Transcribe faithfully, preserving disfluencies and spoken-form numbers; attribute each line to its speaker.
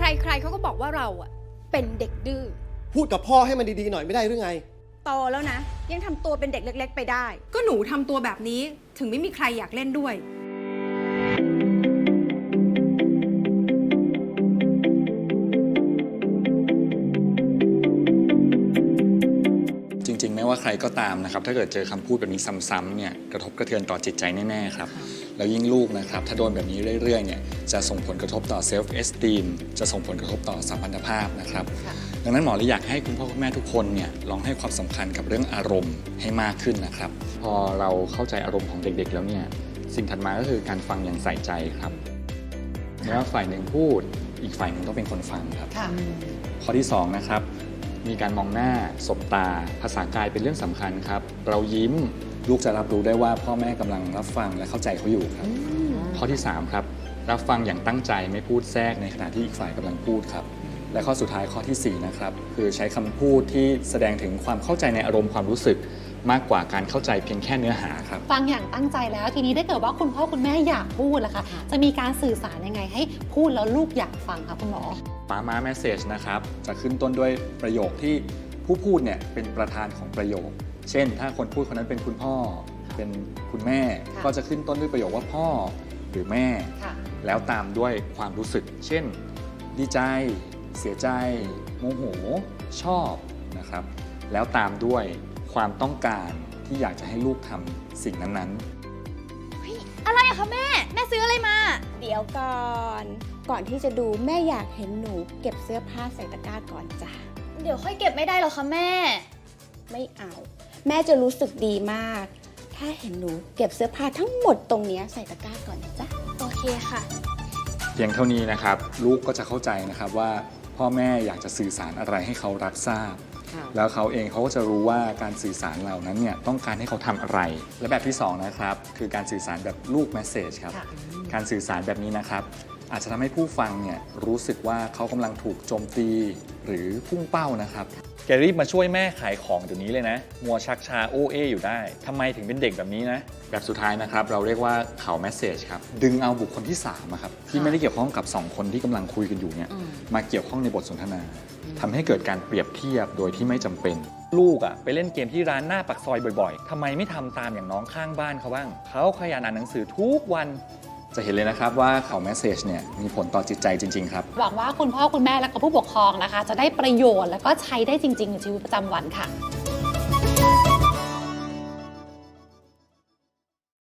Speaker 1: ใครๆเขาก็บอกว่าเราอะเป็นเด็กดื้อ
Speaker 2: พูดกับพ่อให้มันดีๆหน่อยไม่ได้หรือไง
Speaker 1: โตแล้วนะยังทำตัวเป็นเด็กเล็กๆไปได้
Speaker 3: ก็หนูทำตัวแบบนี้ถึงไม่มีใครอยากเล่นด้วย
Speaker 4: จริงๆไม่ว่าใครก็ตามนะครับถ้าเกิดเจอคำพูดแบบนี้ซ้ำๆเนี่ยกระทบกระเทือนต่อจิตใจแน่ๆครับแล้วยิ่งลูกนะครับถ้าโดนแบบนี้เรื่อยๆเนี่ยจะส่งผลกระทบต่อเซลฟ์เอสตีมจะส่งผลกระทบต่อสัมพันธภาพนะครับดังนั้นหมอเลยอยากให้คุณพ่อคุณแม่ทุกคนเนี่ยลองให้ความสำคัญกับเรื่องอารมณ์ให้มากขึ้นนะครับพอเราเข้าใจอารมณ์ของเด็กๆแล้วเนี่ยสิ่งถัดมาก็คือการฟังอย่างใส่ใจครับไม่ว่าฝ่ายหนึ่งพูดอีกฝ่ายหนึ่งต้องเป็นคนฟังครับข้อที่สองนะครับมีการมองหน้าสบตาภาษากายเป็นเรื่องสำคัญครับเรายิ้มลูกจะรับรู้ได้ว่าพ่อแม่กำลังรับฟังและเข้าใจเขาอยู่ครับข้อที่สามครับรับฟังอย่างตั้งใจไม่พูดแทรกในขณะที่อีกฝ่ายกำลังพูดครับและข้อสุดท้ายข้อที่สี่นะครับคือใช้คำพูดที่แสดงถึงความเข้าใจในอารมณ์ความรู้สึกมากกว่าการเข้าใจเพียงแค่เนื้อหาครับ
Speaker 5: ฟังอย่างตั้งใจแล้วทีนี้ถ้าเกิดว่าคุณพ่อคุณแม่อยากพูดล่ะคะจะมีการสื่อสารยังไงให้พูดแล้วลูกอยากฟังคะคุณหมอ
Speaker 4: ป้าม้าแมสเซจนะครับจะขึ้นต้นด้วยประโยคที่ผู้พูดเนี่ยเป็นประธานของประโยคเช่นถ้าคนพูดคนนั้นเป็นคุณพ่อเป็นคุณแม่ก็จะขึ้นต้นด้วยประโยคว่าพ่อหรือแม่แล้วตามด้วยความรู้สึกเช่นดีใจเสียใจโมโหชอบนะครับแล้วตามด้วยความต้องการที่อยากจะให้ลูกทำสิ่งนั้น
Speaker 1: ๆอะไรอะคะแม่แม่ซื้ออะไรมาเดี๋ยวก่อนก่อนที่จะดูแม่อยากเห็นหนูเก็บเสื้อผ้าใส่ตะกร้าก่อนจ้ะ
Speaker 6: เดี๋ยวค่อยเก็บไม่ได้หรอคะแม่
Speaker 1: ไม่เอาแม่จะรู้สึกดีมากถ้าเห็นหนูเก็บเสื้อผ้าทั้งหมดตรงนี้ใส่ตะกร้าก่อนนะจ๊ะ
Speaker 6: โอเคค่ะ
Speaker 4: เพียงเท่านี้นะครับลูกก็จะเข้าใจนะครับว่าพ่อแม่อยากจะสื่อสารอะไรให้เขารับทราบแล้วเขาเองเขาก็จะรู้ว่าการสื่อสารเหล่านั้นเนี่ยต้องการให้เขาทำอะไรและแบบที่สองนะครับคือการสื่อสารแบบลูกแมสเซจครับการสื่อสารแบบนี้นะครับอาจจะทำให้ผู้ฟังเนี่ยรู้สึกว่าเขากำลังถูกโจมตีหรือพุ่งเป้านะครับแกรีบมาช่วยแม่ขายของเดี๋ยวนี้เลยนะมัวชักชาโอเออยู่ได้ทำไมถึงเป็นเด็กแบบนี้นะแบบสุดท้ายนะครับเราเรียกว่าเขาแมสเซจครับดึงเอาบุคคลที่สามครับที่ไม่ได้เกี่ยวข้องกับสองคนที่กำลังคุยกันอยู่เนี่ยมาเกี่ยวข้องในบทสนทนาทำให้เกิดการเปรียบเทียบโดยที่ไม่จำเป็นลูกอ่ะไปเล่นเกมที่ร้านหน้าปากซอยบ่อยๆทำไมไม่ทำตามอย่างน้องข้างบ้านเขาบ้างเขาขยันอ่านหนังสือทุกวันจะเห็นเลยนะครับว่าเขาแมสเซจเนี่ยมีผลต่อจิตใจจริงๆครับ
Speaker 5: หวังว่าคุณพ่อคุณแม่และก็ผู้ปกครองนะคะจะได้ประโยชน์และก็ใช้ได้จริงๆในชีวิตประจำวันค่ะ